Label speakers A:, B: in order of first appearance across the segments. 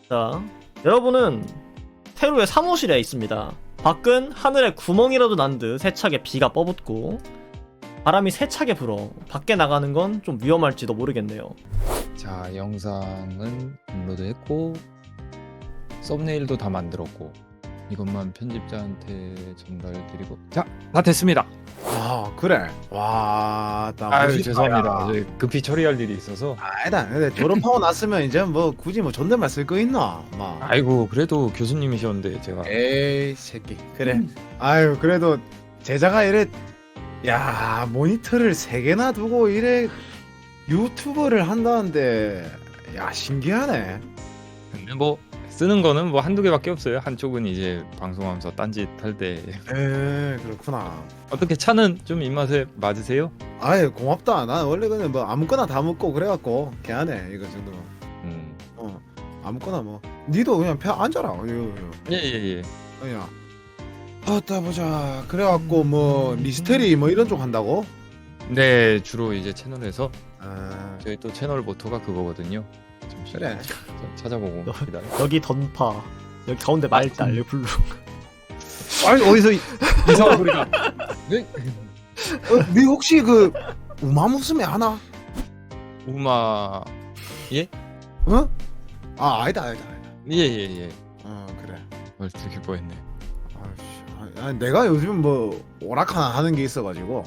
A: 자, 여러분은 테루의 사무실에 있습니다. 밖은 하늘에 구멍이라도 난 듯 세차게 비가 뻐붓고 바람이 세차게 불어 밖에 나가는 건 좀 위험할지도 모르겠네요.
B: 자, 영상은 업로드했고 썸네일도 다 만들었고 이것만 편집자한테 전달드리고 자, 다 됐습니다.
C: 아 그래. 와, 나
B: 아유,
C: 멋있다,
B: 죄송합니다.
C: 야.
B: 저희 급히 처리할 일이 있어서.
C: 아니다. 근데 졸업하고 났으면 이제 뭐 굳이 뭐 존댓말 쓸 거 있나? 막.
B: 아이고, 그래도 교수님이셨는데 제가
C: 에이 새끼. 그래. 아유 그래도 제자가 이래. 야 모니터를 3개나 두고 이래 유튜버를 한다는데 야 신기하네.
B: 근데 뭐 쓰는 거는 뭐 한두 개밖에 없어요. 한쪽은 이제 방송하면서 딴짓 할 때.
C: 에 그렇구나.
B: 어떻게 차는 좀 입맛에 맞으세요?
C: 아유 고맙다. 난 원래 그냥 뭐 아무거나 다 먹고 그래갖고 개하네 이거 정도.
B: 음.
C: 아무거나 뭐. 니도 그냥 펴 앉아라.
B: 예.
C: 야. 아따 보자. 그래갖고 뭐 미스테리 뭐 이런 쪽 한다고?
B: 네, 주로 이제 채널에서
C: 아
B: 저희 또 채널 모토가 그거거든요.
C: 그래.
B: 찾아보고 기다려.
A: 여기 던파, 여기 가운데 말달, 여기 블루.
C: 아니 어디서
B: 이상한 소리가. 네?
C: 니 혹시 그 우마무스메 하나?
B: 우마.
C: 어? 아 아니다.
B: 예.
C: 그래.
B: 두개 뻔했네.
C: 아씨, 내가 요즘 뭐 오락하나 하는 게 있어가지고.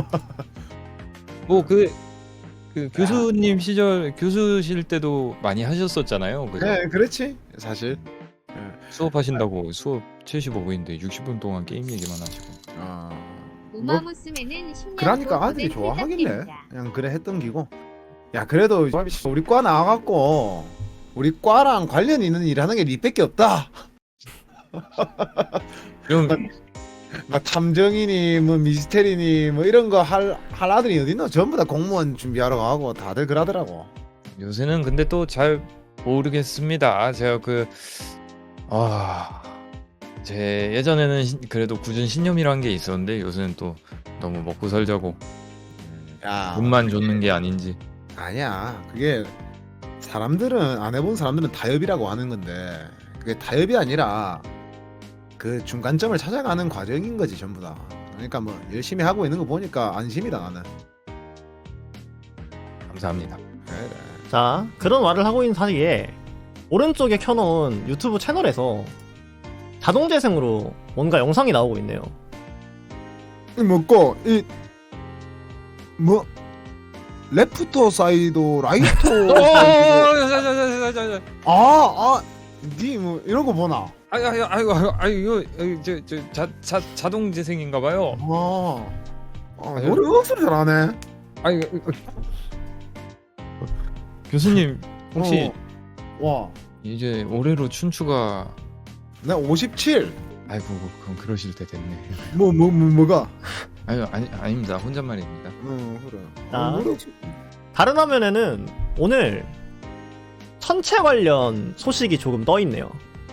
B: 뭐 그 교수님 시절 교수실 때도 많이 하셨었잖아요. 그죠?
C: 네, 그렇지 사실.
B: 수업하신다고 수업 75분인데 60분 동안 게임 얘기만 하시고.
C: 아
D: 우마무스메는 10년
C: 그러니까 아들이 좋아하길래 그냥 그래 했던 기고. 야 그래도 우리 과 나와갖고 우리 과랑 관련 있는 일 하는 게 니밖에 없다.
B: 그럼
C: 막 탐정이니 뭐 미스테리니 뭐 이런 거 할 아들이 어딨노? 전부 다 공무원 준비하러 가고 다들 그러더라고.
B: 요새는 근데 또 잘 모르겠습니다. 제가 제 예전에는 그래도 굳은 신념이란 게 있었는데 요새는 또 너무 먹고 살자고
C: 야
B: 돈만 줬는 게 아닌지.
C: 아니야. 그게 사람들은 안 해본 사람들은 타협이라고 하는 건데 그게 타협이 아니라 그 중간점을 찾아가는 과정인 거지 전부 다. 그러니까 뭐 열심히 하고 있는 거 보니까 안심이다 나는.
B: 감사합니다.
C: 그래.
A: 자, 그런 말을 하고 있는 사이에 오른쪽에 켜놓은 유튜브 채널에서 자동 재생으로 뭔가 영상이 나오고 있네요.
C: 이 먹고 이 뭐 레프트 사이드 라이트 사이드 니 뭐 이런 거 보나?
B: 아이고 자동 재생인가봐요.
C: 노래 억수로 잘하네.
B: 교수님 혹시
C: 와,
B: 이제 올해로 춘추가
C: 나 57.
B: 아이고 그럼 그러실 때 됐네.
C: 뭐가?
B: 아닙니다. 혼잣말입니다.
C: 그래.
A: 나?
C: 노래
A: 다른 화면에는 오늘 천체 관련 소식이 조금 떠 있네요.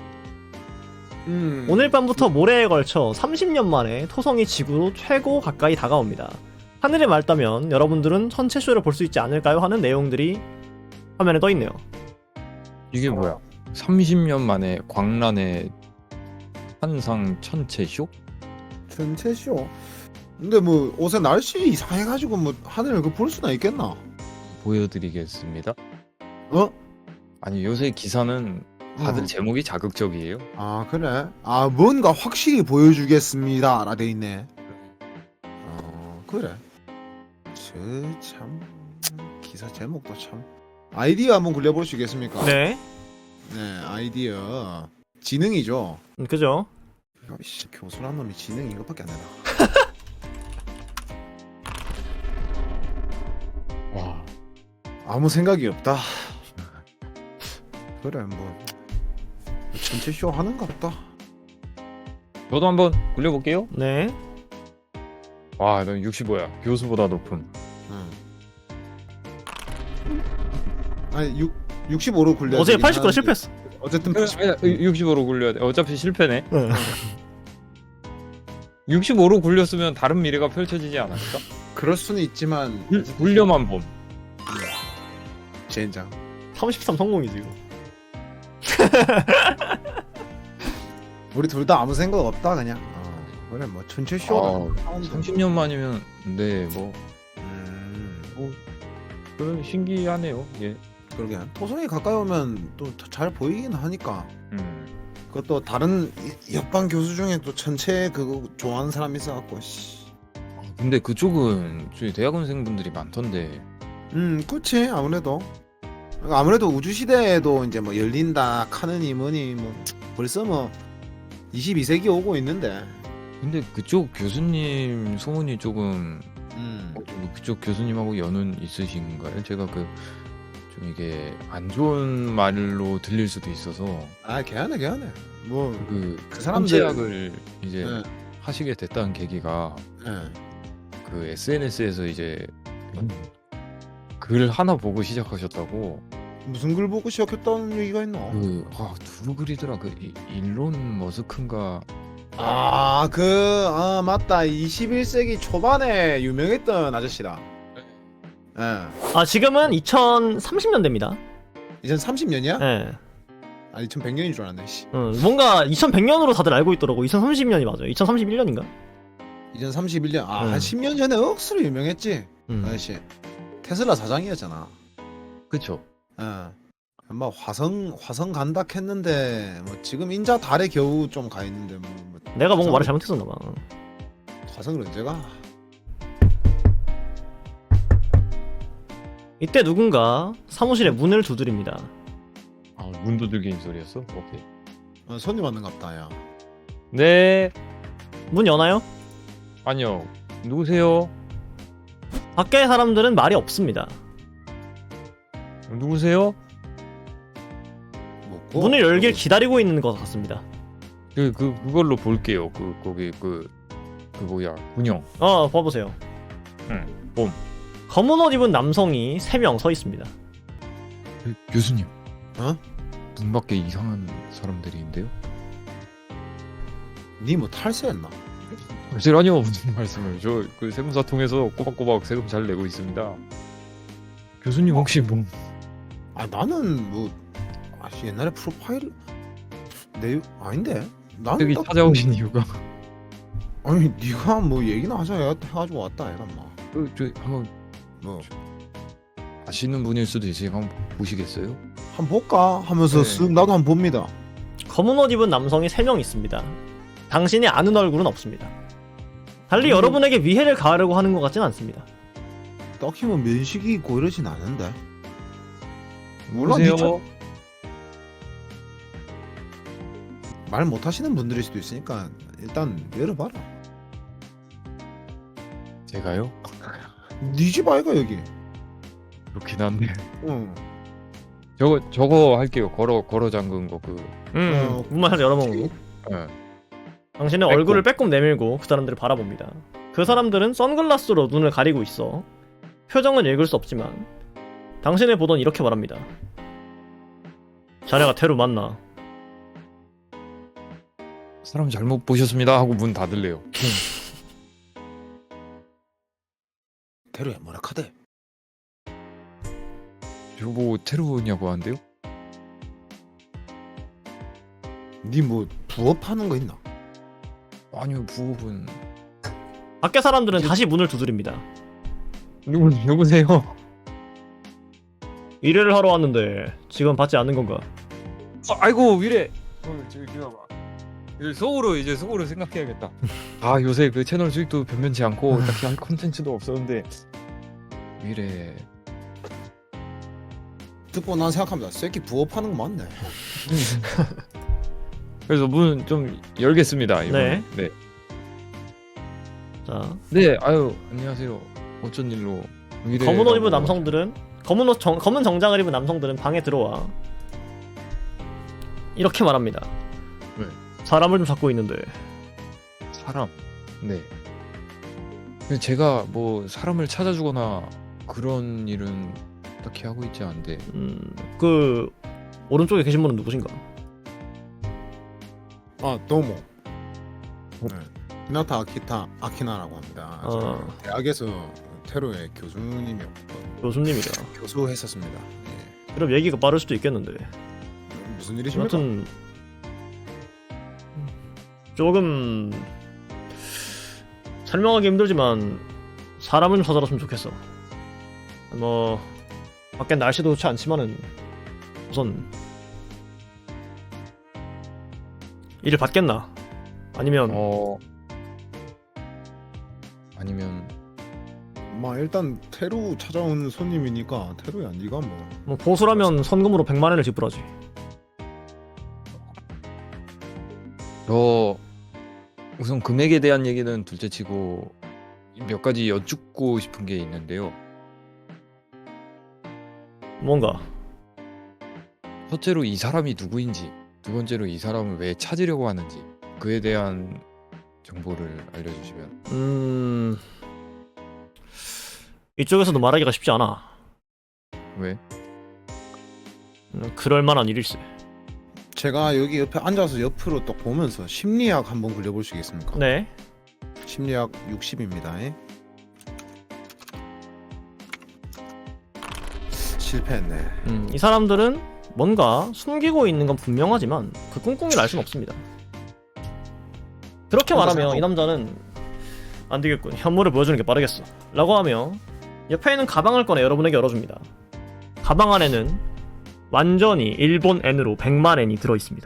A: 오늘 밤부터 모레에 걸쳐 30년 만에 토성이 지구로 최고 가까이 다가옵니다. 하늘에 맑다면 여러분들은 천체쇼를 볼 수 있지 않을까요? 하는 내용들이 화면에 떠 있네요.
B: 이게 뭐야? 30년 만에 광란의 환상 천체쇼?
C: 전체쇼. 근데 뭐 옷에 날씨 이상해가지고 뭐 하늘을 볼 수나 있겠나?
B: 보여드리겠습니다.
C: 어?
B: 아니 요새 기사는 다들
C: 어.
B: 제목이 자극적이에요.
C: 아 그래? 아 뭔가 확실히 보여주겠습니다 라 돼 있네. 그래. 참 기사 제목도 참 아이디어 한번 굴려볼 수 있겠습니까?
A: 네,
C: 아이디어 지능이죠.
A: 그죠?
C: 씨, 교수란 놈이 지능 이것밖에 안 되나?
B: 와,
C: 아무 생각이 없다. 그래 뭐 전체 쇼 하는 것 같다.
B: 저도 한번 굴려볼게요.
A: 네.
B: 와, 넌 65야. 교수보다 높음.
C: 아니 65로 굴려.
A: 어제 80% 실패했어.
C: 어쨌든
B: 65로 굴려야 돼. 어차피 실패네.
A: 네.
B: 65로 굴렸으면 다른 미래가 펼쳐지지 않았을까?
C: 그럴 수는 있지만
B: 굴려만 봄.
C: 젠장.
A: 33 성공이지 이거.
C: 우리 둘 다 아무 생각 없다 그냥. 그래 뭐 천체 쇼.
B: 30년 만이면 뭐
C: 음,
B: 그런 신기하네요. 예.
C: 그러게. 토성이 가까이 오면 또 잘 보이긴 하니까. 그것도 다른 옆반 교수 중에 또 천체 그거 좋아하는 사람 있어갖고. 씨.
B: 근데 그쪽은 저희 대학원생분들이 많던데.
C: 그렇지 아무래도 우주 시대에도 이제 뭐 열린다 카느니 뭐니 뭐 벌써 뭐 22세기 오고 있는데.
B: 근데 그쪽 교수님 소문이 조금 그쪽 교수님하고 연은 있으신가요? 제가 좀 이게 안 좋은 말로 들릴 수도 있어서
C: 걔하네 뭐
B: 그
C: 사람들-
B: 천체학을 이제
C: 예,
B: 하시게 됐다는 계기가
C: 예.
B: 그 SNS에서 이제 글 하나 보고 시작하셨다고.
C: 무슨 글 보고 시작했다는 얘기가 있나?
B: 누구 글이더라? 일론 머스크인가?
C: 맞다. 21세기 초반에 유명했던 아저씨다. 예.
A: 아 지금은 2030년대입니다.
C: 2030년이야?
A: 예.
C: 2100년인 줄 알았네. 씨.
A: 뭔가 2100년으로 다들 알고 있더라고. 2030년이 맞아요. 2031년인가?
C: 2031년. 한
A: 음.
C: 10년 전에 억수로 유명했지.
A: 음.
C: 아저씨. 테슬라 사장이었잖아.
B: 그쵸?
C: 예. 뭐 화성 간다 했는데 뭐 지금 인자 달에 겨우 좀 가 있는데 뭐
A: 내가 뭔가 말을 잘못했었나 봐.
C: 화성을 언제 가?
A: 이때 누군가 사무실에 문을 두드립니다.
B: 문 두들기는 소리였어? 오케이.
C: 손님 왔는갑다 야.
B: 네.
A: 문 여나요?
B: 아니요. 누구세요?
A: 밖에 사람들은 말이 없습니다.
B: 누구세요?
C: 뭐고?
A: 문을 열길 기다리고 있는 것 같습니다.
B: 그걸로 볼게요. 거기 뭐야 군형.
A: 봐보세요.
B: 봄.
A: 검은 옷 입은 남성이 3명 서 있습니다.
B: 교수님.
C: 어?
B: 문 밖에 이상한 사람들이 있는데요?
C: 니 뭐 탈세했나?
B: 아니요 무슨 말씀을. 저 그 세무사 통해서 꼬박꼬박 세금 잘 내고 있습니다. 교수님 혹시 뭐
C: 나는 뭐 옛날에 프로파일 아닌데? 나는
B: 여기
C: 딱-
B: 찾아오신 이유가
C: 아니 네가 뭐 얘기나 하자 해가지고 왔다 얘가 막
B: 저 한번
C: 뭐
B: 아시는 분일 수도 있으니까 한번 보시겠어요?
C: 한번 볼까 하면서
B: 네.
C: 쓱 나도 한번 봅니다.
A: 검은 옷 입은 남성이 3명 있습니다. 당신이 아는 얼굴은 없습니다. 달리 여러분에게 위해를 가하려고 하는 것 같진 않습니다.
C: 딱히 뭐 면식이 있고 이러진 않은데. 몰라,
B: 누구세요?
C: 말 못하시는 분들일 수도 있으니까 일단 열어봐라.
B: 제가요?
C: 네 집 아이가 여기.
B: 그렇긴 한데
C: 응.
B: 저거 할게요. 걸어 잠근 거
A: 문만 살짝 열어보고
B: 예.
A: 당신의
B: 빼꼼.
A: 얼굴을 빼꼼 내밀고 그 사람들을 바라봅니다. 그 사람들은 선글라스로 눈을 가리고 있어 표정은 읽을 수 없지만 당신을 보던 이렇게 말합니다. 자네가 테루 맞나?
B: 사람 잘못 보셨습니다 하고 문 닫을래요.
C: 테루야 뭐라 카대.
B: 저보고 테러냐고 하는데요?
C: 니 뭐 부업하는 거 있나?
B: 아니요 부업은
A: 밖에 사람들은 다시 문을 두드립니다.
B: 누구세요?
A: 일을 하러 왔는데 지금 받지 않는 건가?
B: 아이고 위래. 속으로 생각해야겠다. 요새 그 채널 수익도 변변치 않고 딱히 할 콘텐츠도 없었는데 위래.
C: 듣고 난 생각합니다. 새끼 부업하는 거 맞네.
B: 그래서 문 좀 열겠습니다. 이번에.
A: 네. 자,
B: 네. 안녕하세요. 어쩐 일로 위래.
A: 검은 옷 입은 남성들은 검은 정장을 입은 남성들은 방에 들어와 이렇게 말합니다.
B: 네.
A: 사람을 좀 잡고 있는데.
B: 사람. 네. 근데 제가 뭐 사람을 찾아주거나 그런 일은 딱히 하고 있지 않은데.
A: 그 오른쪽에 계신 분은 누구신가?
C: 도모. 네. 히나타 아키나라고 합니다. 저 대학에서 테로의 교수님이었고
A: 교수님이다.
C: 교수했었습니다. 예.
A: 그럼 얘기가 빠를 수도 있겠는데.
C: 무슨 무슨 일이십니까?
A: 여튼 조금 설명하기 힘들지만 사람을 좀 찾아줬으면 좋겠어. 뭐 밖엔 날씨도 좋지 않지만은 우선 일을 받겠나? 아니면
B: 아니면
C: 일단 테루 찾아온 손님이니까 테루야 네가
A: 뭐 보수라면 선금으로 100만 원을 지불하지.
B: 저 우선 금액에 대한 얘기는 둘째치고 몇 가지 여쭙고 싶은 게 있는데요.
A: 뭔가
B: 첫째로 이 사람이 누구인지, 두 번째로 이 사람을 왜 찾으려고 하는지 그에 대한 정보를 알려주시면.
A: 이쪽에서도 말하기가 쉽지 않아.
B: 왜?
A: 그럴 만한 일일세.
C: 제가 여기 옆에 앉아서 옆으로 딱 보면서 심리학 한번 굴려보시겠습니까?
A: 네.
C: 심리학 60입니다. 실패했네.
A: 이 사람들은 뭔가 숨기고 있는 건 분명하지만 그 꿍꿍이를 알 수는 없습니다. 그렇게 말하면 이 남자는 안 되겠군. 현물을 보여주는 게 빠르겠어. 라고 하며 옆에 있는 가방을 꺼내 여러분에게 열어줍니다. 가방 안에는 완전히 일본 엔으로 100만 엔이 들어있습니다.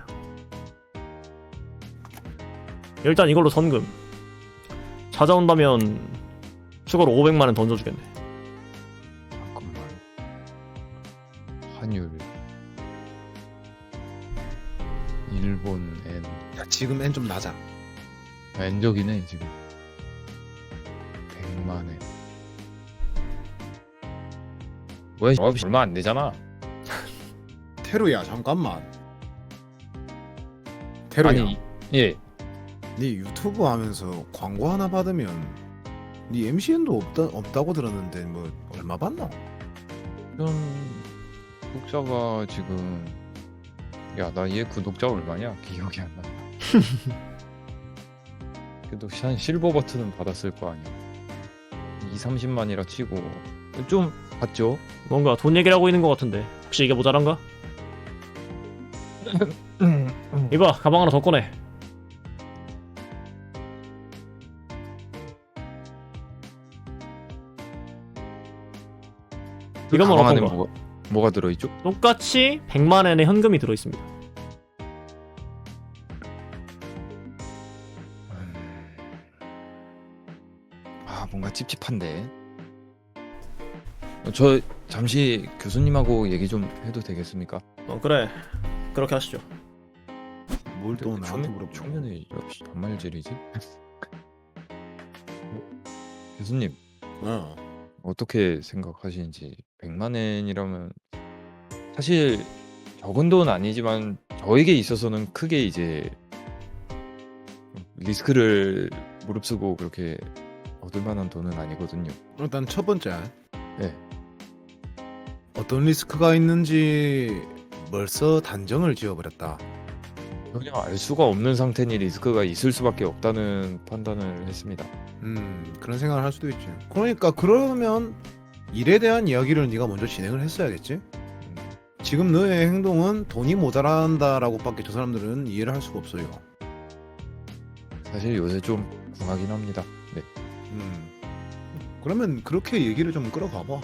A: 일단 이걸로 선금. 찾아온다면 추가로 500만 원 던져주겠네.
B: 잠깐만. 환율 일본 엔.
C: 야, 지금 엔 좀 낮아.
B: 엔적이네 지금. 100만 엔. 왜 얼마 안 되잖아.
C: 테루야 잠깐만. 테루야.
B: 아니 예.
C: 네 유튜브 하면서 광고 하나 받으면 네 MCN도 없다고 들었는데 뭐 얼마 받나?
B: 이런 구독자가 지금 야 나 얘 구독자 얼마냐? 기억이 안 난다. 그래도 한 실버 버튼은 받았을 거 아니야. 2-30만이라 치고 좀 받죠?
A: 뭔가 돈 얘기를 하고 있는 것 같은데 혹시 이게 모자란가? 이봐 가방 하나 더 꺼내. 이건 뭐
B: 가방 안에
A: 어떤가?
B: 뭐가 들어있죠?
A: 똑같이 100만 엔의 현금이 들어있습니다.
B: 뭔가 찝찝한데. 저 잠시 교수님하고 얘기 좀 해도 되겠습니까?
A: 그래 그렇게 하시죠.
C: 뭘 또 나한테 물어보고.
B: 초면에 역시 반말질이지? 교수님 어떻게 생각하시는지. 100만 엔이라면 사실 적은 돈 아니지만 저에게 있어서는 크게 이제 리스크를 무릅쓰고 그렇게 얻을 만한 돈은 아니거든요.
C: 일단 첫 번째
B: 네.
C: 어떤 리스크가 있는지 벌써 단정을 지어버렸다.
B: 전혀 알 수가 없는 상태니 리스크가 있을 수밖에 없다는 판단을 했습니다.
C: 그런 생각을 할 수도 있지. 그러니까 그러면 일에 대한 이야기를 네가 먼저 진행을 했어야겠지. 지금 너의 행동은 돈이 모자란다라고밖에 저 사람들은 이해를 할 수가 없어요.
B: 사실 요새 좀 궁하긴 합니다. 네.
C: 그러면 그렇게 얘기를 좀 끌어가봐.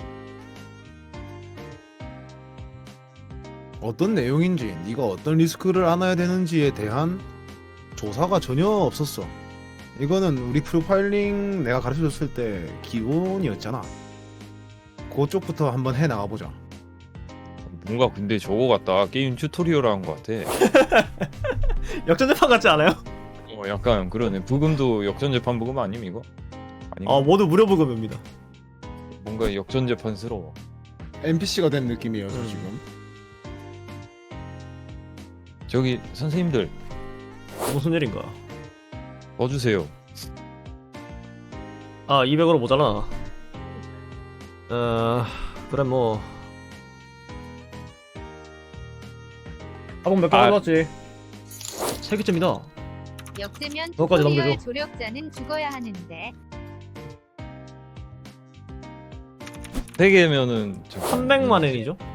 C: 어떤 내용인지, 네가 어떤 리스크를 안아야 되는지에 대한 조사가 전혀 없었어. 이거는 우리 프로파일링 내가 가르쳐줬을 때 기본이었잖아. 그쪽부터 한번 해 나가보자.
B: 뭔가 근데 저거 같다. 게임 튜토리얼 한 것 같아.
A: 역전재판 같지 않아요?
B: 약간 그러네. 부금도 역전재판 부금 아님 이거? 아닌가?
A: 모두 무료 부금입니다.
B: 뭔가 역전재판스러워.
C: NPC가 된 느낌이에요, 저 지금.
B: 저기 선생님들
A: 무슨 일인가?
B: 넣어주세요.
A: 200으로 모자라. 그래 뭐 학원 몇개 가져왔지? 3개쯤이다.
D: 역대면
A: 그거까지
D: 튜토리얼
A: 넘겨줘.
D: 조력자는 죽어야 하는데
B: 3개면은
A: 300만 엔이죠?